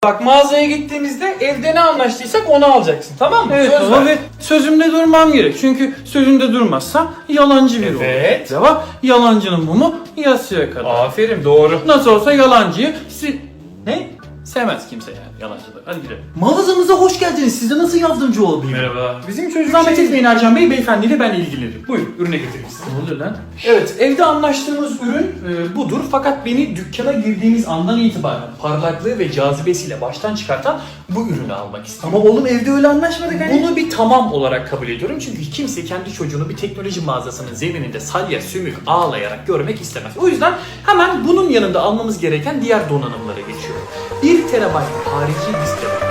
Bak mağazaya gittiğimizde evde ne anlaştıysak onu alacaksın, tamam mı? Evet Söz baba ver. ve sözümde durmam gerek. Çünkü sözünde durmazsa yalancı biri olur. Evet. Cevap yalancının mumu yasıya kadar. Aferin, doğru. Nasıl olsa yalancıyı ne? Sevmez kimse yani yalancıları. Hadi gidelim. Mağazamıza hoş geldiniz. Size nasıl yardımcı olabilirim? Merhaba. Bizim çocuk Zahmet etmeyin Ercan Bey, beyefendiyle ben ilgilenirim. Buyurun, ürüne getirmişsin. Ne oluyor lan? Evet, evde anlaştığımız ürün budur. Fakat beni dükkana girdiğimiz andan itibaren parlaklığı ve cazibesiyle baştan çıkartan bu ürünü almak istiyorum. Ama oğlum evde öyle anlaşmadık hani. Bunu bir tamam olarak kabul ediyorum çünkü kimse kendi çocuğunu bir teknoloji mağazasının zemininde salya sümük ağlayarak görmek istemez. O yüzden hemen bunun yanında almamız gereken diğer donanımlara geçiyorum. 1 TB harici disk